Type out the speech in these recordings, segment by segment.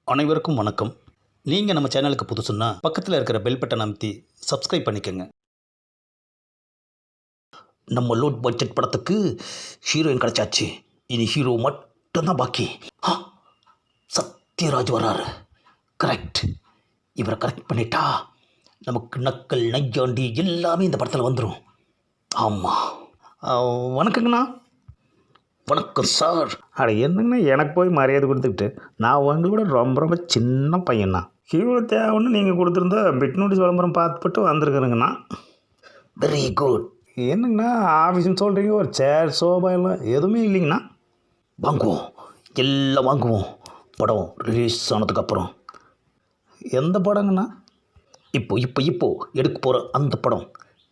அனைவருக்கும் வணக்கம். நீங்கள் நம்ம சேனலுக்கு புதுசுன்னா பக்கத்தில் இருக்கிற பெல் பட்டன் அமைத்தி சப்ஸ்கிரைப் பண்ணிக்கோங்க. நம்ம லோ பட்ஜெட் படத்துக்கு ஹீரோயின் கிடச்சாச்சு. இனி ஹீரோ மட்டும்தான் பாக்கி. சத்யராஜ் வர்றாரு. கரெக்ட். இவரை கரெக்ட் பண்ணிட்டா நமக்கு நக்கல் நையாண்டி எல்லாமே இந்த படத்தில் வந்துடும். ஆமாம். வணக்கங்கண்ணா. வணக்கம் சார். அட என்னங்கண்ணா எனக்கு போய் மரியாதை கொடுத்துக்கிட்டு, நான் உங்களோட ரொம்ப ரொம்ப சின்ன பையன்ண்ணா. ஹீரோ தேவைன்னு நீங்கள் கொடுத்துருந்தா பிட் நோட்டீஸ் விளம்பரம் பார்த்துப்பட்டு வந்திருக்குறேங்கண்ணா. Very good. என்னங்கண்ணா ஆஃபீஸ்னு சொல்கிறீங்க, ஒரு சேர் சோபா எல்லாம் எதுவுமே இல்லைங்கண்ணா. வாங்குவோம், எல்லாம் வாங்குவோம். படம் ரிலீஸ் ஆனதுக்கப்புறம். எந்த படங்கண்ணா? இப்போ எடுக்க போகிற அந்த படம்.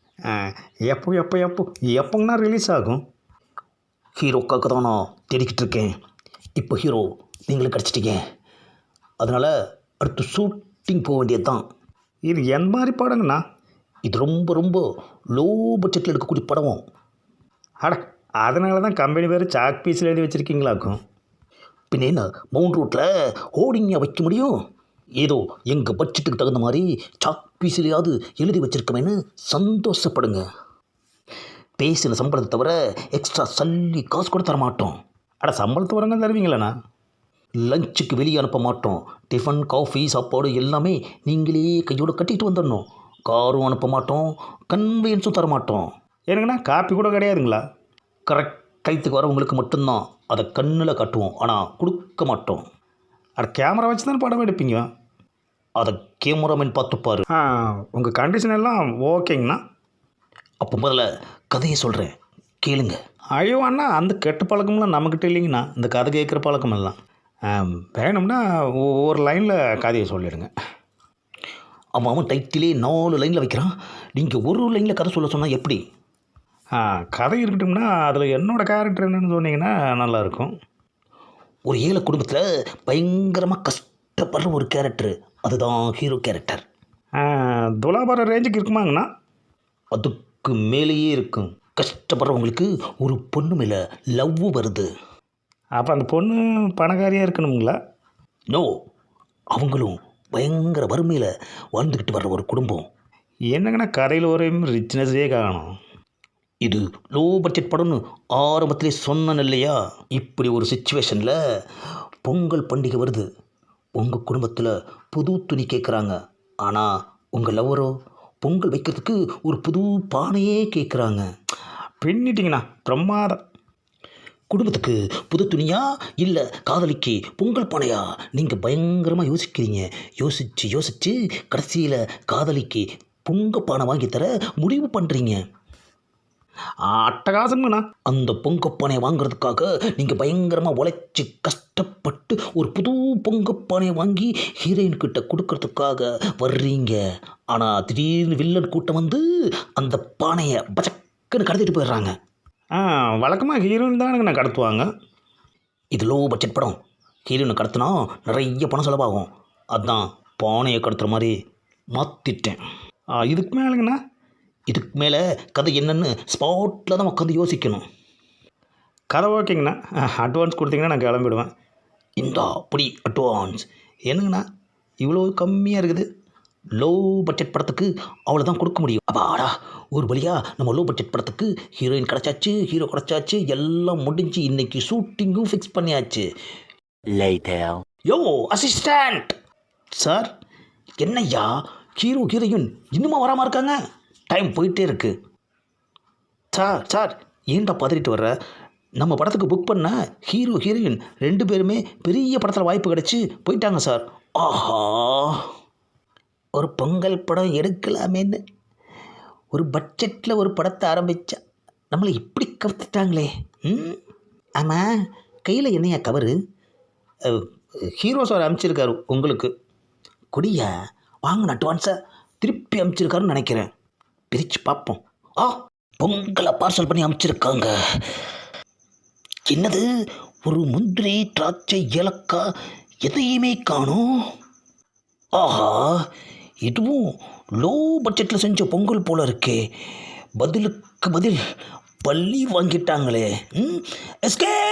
எப்போங்கண்ணா ரிலீஸ் ஆகும்? ஹீரோக்காக தான் நான் தேடிக்கிட்டு இருக்கேன். இப்போ ஹீரோ நீங்களும் கிடச்சிட்டீங்க. அதனால் அடுத்து ஷூட்டிங் போக வேண்டியது தான். இது என் மாதிரி படங்கண்ணா? இது ரொம்ப ரொம்ப லோ பட்ஜெட்டில் எடுக்கக்கூடிய படம். அட அதனால தான் கம்பெனி பேர் சாக் பீஸில் எழுதி வச்சுருக்கீங்களாக்கும். பின்ன என்ன மவுண்ட் ரோட்டில் ஹோர்டிங்காக வைக்க முடியும்? ஏதோ எங்கள் பட்ஜெட்டுக்கு தகுந்த மாதிரி சாக் பீஸிலையாவது எழுதி வச்சுருக்கமேன்னு சந்தோஷப்படுங்க. பேசின சம்பளத்தை தவிர எக்ஸ்ட்ரா சல்லி காசு கூட தர மாட்டோம். அட சம்பளத்து வரங்க தருவீங்களாண்ணா? லஞ்சுக்கு வெளியே அனுப்ப மாட்டோம். டிஃபன் காஃபி சாப்பாடு எல்லாமே நீங்களே கையோடு கட்டிட்டு வந்துடணும். காரும் அனுப்ப மாட்டோம், கன்வீனியன்ஸும் தர மாட்டோம். எனக்குண்ணா காப்பி கூட கிடையாதுங்களா? கரெக்ட் டைத்துக்கு வரவங்களுக்கு மட்டும்தான் அதை கண்ணில் காட்டுவோம், ஆனால் கொடுக்க மாட்டோம். அட கேமரா வச்சு தானே படம் எடுப்பீங்க? அதை கேமராமேன் பார்த்துப்பார். உங்கள் கண்டிஷன் எல்லாம் ஓகேங்கண்ணா. அப்போ முதல்ல கதையை சொல்கிறேன், கேளுங்க. ஐயோ அண்ணா, அந்த கெட்ட பழக்கம்லாம் நம்மக்கிட்ட இல்லைங்கண்ணா. இந்த கதை கேட்குற பழக்கமெல்லாம் வேணும்னா ஒரு லைனில் கதையை சொல்லிடுங்க. அவன் டைட்டிலே 4 லைனில் வைக்கிறான். நீங்கள் ஒரு லைனில் கதை சொல்ல சொன்னால் எப்படி? கதை இருக்கட்டும்னா அதில் என்னோடய கேரக்டர் என்னன்னு சொன்னீங்கன்னா நல்லாயிருக்கும். ஒரு ஏழை குடும்பத்தில் பயங்கரமாக கஷ்டப்படுற ஒரு கேரக்டர், அதுதான் ஹீரோ கேரக்டர். துலாபார ரேஞ்சுக்கு இருக்குமாங்கண்ணா? அதுக்கு மேலேயே இருக்கும். கஷ்டப்படுறவங்களுக்கு ஒரு பொண்ணு மேலே லவ் வருது. அப்போ அந்த பொண்ணு பணக்காரியாக இருக்கணுங்களா? நோ, அவங்களும் பயங்கர வறுமையில் வாழ்ந்துக்கிட்டு வர்ற ஒரு குடும்பம். என்னங்கண்ணா கதையில் ஒரு ரிச்னஸே காணும். இது லோ பட்ஜெட் படம்னு ஆரம்பத்திலே சொன்னேன் இல்லையா? இப்படி ஒரு சுச்சுவேஷனில் பொங்கல் பண்டிகை வருது. உங்கள் குடும்பத்தில் புது துணி கேட்குறாங்க. ஆனால் உங்கள் லவ்வரோ பொங்கல் வைக்கிறதுக்கு ஒரு புது பானையே கேட்குறாங்க. பின்னிட்டிங்கண்ணா, பிரமாதம். குடும்பத்துக்கு புது துணியா இல்லை காதலிக்கு பொங்கல் பானையா? நீங்கள் பயங்கரமாக யோசிக்கிறீங்க. யோசித்து கடைசியில் காதலிக்கு பொங்கல் பானை வாங்கி தர முடிவு பண்ணுறீங்க. அட்டகாசங்கண்ணா. அந்த பொங்கப்பானையை வாங்குறதுக்காக நீங்கள் பயங்கரமாக உழைச்சி கஷ்டப்பட்டு ஒரு புது பொங்கப்பானையை வாங்கி ஹீரோயின்கிட்ட கொடுக்கறதுக்காக வர்றீங்க. ஆனால் திடீர்னு வில்லன் கூட்டம் வந்து அந்த பானையை பச்சக்குன்னு கடத்திட்டு போயிடுறாங்க. வழக்கமாக ஹீரோயின் தானுங்கண்ணா கடத்துவாங்க. இது லோ பட்ஜெட் படம். ஹீரோயினை கடத்தினா நிறைய பணம் செலவாகும். அதுதான் பானையை கடத்துகிற மாதிரி மாற்றிட்டேன். இதுக்கு மேலேங்கண்ணா? இதுக்கு மேலே கதை என்னென்னு ஸ்பாட்டில் தான் உட்காந்து யோசிக்கணும். கதை ஓகேங்கண்ணா, அட்வான்ஸ் கொடுத்தீங்கன்னா நான் கிளம்பிடுவேன். இந்தா அப்படி அட்வான்ஸ். என்னங்கண்ணா இவ்வளோ கம்மியாக இருக்குது? லோ பட்ஜெட் படத்துக்கு அவ்வளோதான் கொடுக்க முடியும். அப்பாடா, ஒரு வழியாக நம்ம லோ பட்ஜெட் படத்துக்கு ஹீரோயின் கிடச்சாச்சு, ஹீரோ கிடச்சாச்சு, எல்லாம் முடிஞ்சு இன்றைக்கி ஷூட்டிங்கும் ஃபிக்ஸ் பண்ணியாச்சு. யோ அசிஸ்டண்ட் சார், என்னய்யா ஹீரோயின் இன்னுமா வராமல் இருக்காங்க? டைம் போயிட்டே இருக்கு. சார் ஏன்டா பதறிட்டு வர்ற? நம்ம படத்துக்கு புக் பண்ண ஹீரோயின் 2 பேருமே பெரிய படத்தில் வாய்ப்பு கிடச்சி போயிட்டாங்க சார். ஆஹா, ஒரு பொங்கல் படம் எடுக்கலாமேன்னு ஒரு பட்ஜெட்டில் ஒரு படத்தை ஆரம்பித்தா நம்மளை இப்படி கவுத்துட்டாங்களே. ஆமாம், கையில் என்னையா கவரு? ஹீரோ சார் அனுப்பிச்சிருக்காரு உங்களுக்கு. குடியா வாங்கின அட்வான்ஸை திருப்பி அனுப்பிச்சிருக்காருன்னு நினைக்கிறேன். பிரித்து பார்ப்போம். பொங்கலை பார்சல் பண்ணி அனுப்பிச்சிருக்காங்க. என்னது, ஒரு முந்திரி திராட்சை ஏலக்காய் எதையுமே காணோம். ஆஹா, இதுவும் லோ பட்ஜெட்டில் செஞ்ச பொங்கல் போல இருக்கே. பதிலுக்கு பதில் பள்ளி வாங்கிட்டாங்களே. எஸ்கே